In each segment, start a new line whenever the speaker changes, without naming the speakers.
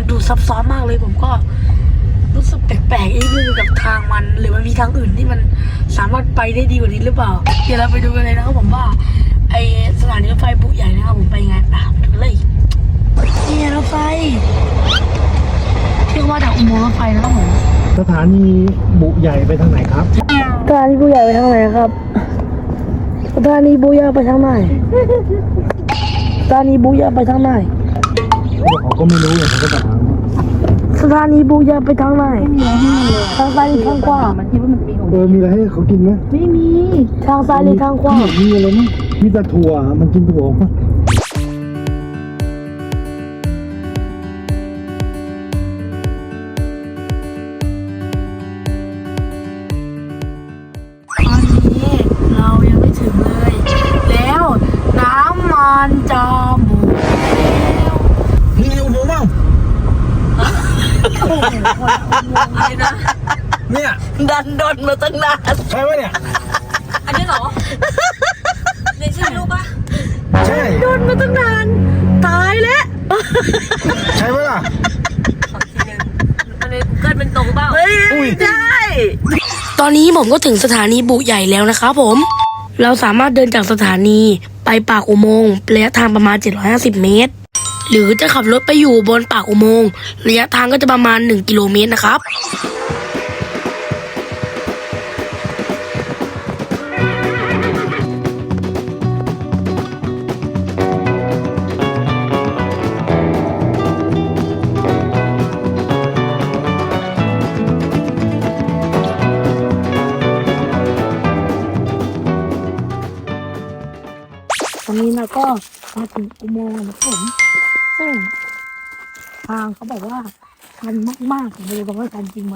มันดูซับซ้อนมากเลยผมก็รู้สึกแปลกๆนิดนึงกับทางมันหรือมันมีทางอื่นที่มันสามารถไปได้ดีกว่านี้หรือเปล่าเดี๋ยวเราไปดูกันเลยนะครับผมว่าไอสถานีรถไฟบุใหญ่นะครับผมไปยังไงไปดูเลยนี่รถไฟที่ว่าจากอุโมงค์รถไฟนะครับผม
สถานีบุใหญ่ไปทางไหนครับ
สถานีบุใหญ่ไปทางไหนครับสถานีบุใหญ่ไปทางไหนสถานีบุใหญ่ไปทางไหน
เขาก็ไม่รู้เลยเขาก็ถาม
สถานีบุใหญ่ไปทางไหนทางซ้ายหรือทางขวามันคิดว่ามันมี
มีอะไรให้เขากินไหม
ไม่มีทางซ้ายหรือทางขวา
มีอะไรไหมมีแต่ถั่วมันกินถั่วปะ
เรายังไม่ถึงเลยแล้วน้ำมันจะหมดแล้ว
นี่ไงอุโมงค์เปล่า
อะไรนะ
เนี่ย
ดันดนมาตั้งนาน
ใช่ไหมเนี่ย
อันนี้เหรอในใช่รูปปะ
ใช่
ดนมาตั้งนานตายแล้ว
ใช่ไหมล่ะ
อันนี้เกิดเป็นตรงเปล่า
ใช่
ตอนนี้ผมก็ถึงสถานีบุใหญ่แล้วนะครับผมเราสามารถเดินจากสถานีไปปากอุโมงค์ระยะทางประมาณ750 เมตรหรือจะขับรถไปอยู่บนปากอุโมงค์ระยะทางก็จะประมาณ1 กิโลเมตรนะครับตอนนี้เราก็มาถึงอุโมงค์นะครับผมซึ่งทางเขาบอกว่าชันมากๆผมไม่รู้ว่าชันจริงไหม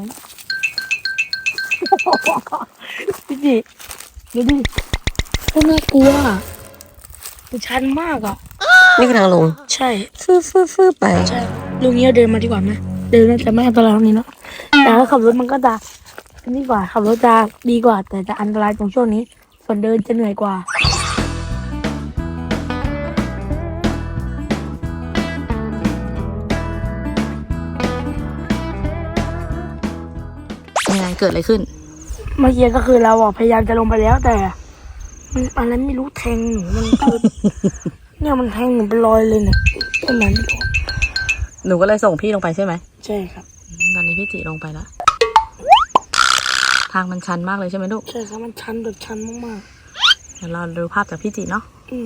พี่ดิดูดิก็น่ากลัวมันชันมากอ่ะ
นี่คือทางลง
ใช่
ฟื้อไป
ใช่ลุงนี้เดินมาดีกว่าไหมเดินน่าจะไม่อันตรายตรงนี้เนาะแต่ถ้าขับรถมันก็จะนี่กว่าขับรถจะดีกว่าแต่จะอันตรายตรงช่วงนี้ส่วนเดินจะเหนื่อยกว่า
เกิดอะไรขึ้น
เมื่อกี้ก็คือเราพยายามจะลงไปแล้วแต่มันอะไรไม่รู้แทงหนูมันคือเนี่ยมันแทงหนูเป็นรอยเลยเนี่ยต้นนั้น
หนูก็เลยส่งพี่ลงไปใช่ไหม
ใช่ครับ
ตอนนี้พี่จิลงไปแล้วทางมันชันมากเลยใช่ไหมลูก
ใช่ครับมันชันแบบชันมาก
ๆเดี๋ยวเราดูภาพจากพี่จิเนาะ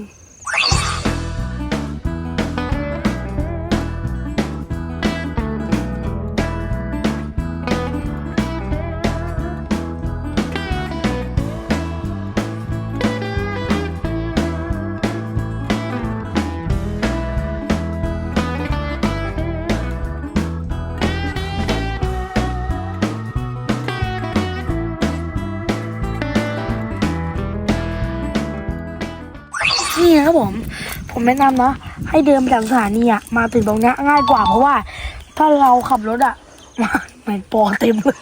นี่นะครับผมแนะนำนะให้เดินจากสถานีมาถึงตรงนี้ง่ายกว่าเพราะว่าถ้าเราขับรถมาเหมือนปอเต็มเลย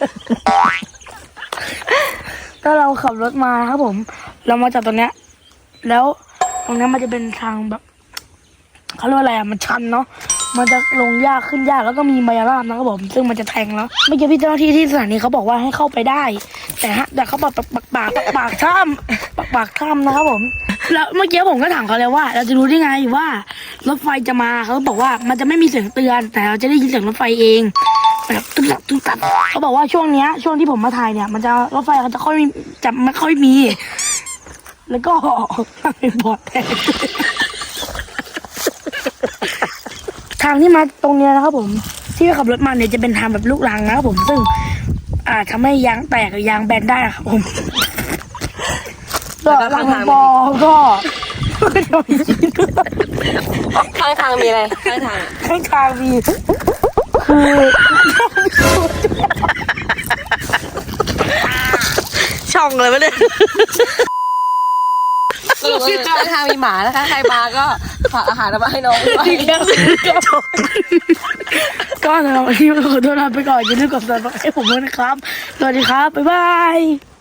ถ้าเราขับรถมาครับผมเรามาจากตรงเนี้ยแล้วตรงนี้มันจะเป็นทางแบบเขาเรียกว่าอะไรมันชันเนาะมันจะลงยากขึ้นยากแล้วก็มีมายาลามนะครับผมซึ่งมันจะแทงแล้วเมื่อกี้พี่เจ้าหน้าที่ที่สถานีเขาบอกว่าให้เข้าไปได้แต่เขาบอกปากถ้ำนะครับผมแล้วเมื่อกี้ผมก็ถามเขาเลยว่าเราจะรู้ได้ไงว่ารถไฟจะมาเขาบอกว่ามันจะไม่มีเสียงเตือนแต่เราจะได้ยินเสียงรถไฟเองแบบตึ๊บเขาบอกว่าช่วงที่ผมมาถ่ายเนี่ยมันจะรถไฟเขาจะไม่ค่อยมีแล้วก็เป็นบอดแทนทางที่มาตรงนี้นะครับผมที่ขับรถมาเนี่ยจะเป็นทางแบบลูกรังนะครับผมซึ่งทำให้ยางแตกหรือยางแบนได้ครับผมแล้วข้างทางก็
ข้างทางมีอะไรข้าง
ทางมีคือ
ช่องเลยไหมเนี่ยข้างทางมีหมานะคะใครมาก็ฝากอาหารมาให้น้องด้วย
ก็สำหรับวันนี้ขอตัวลาไปก่อนอย่าลืมกดซับสไครบ์ให้ผมด้วยนะครับสวัสดีครับบ๊ายบาย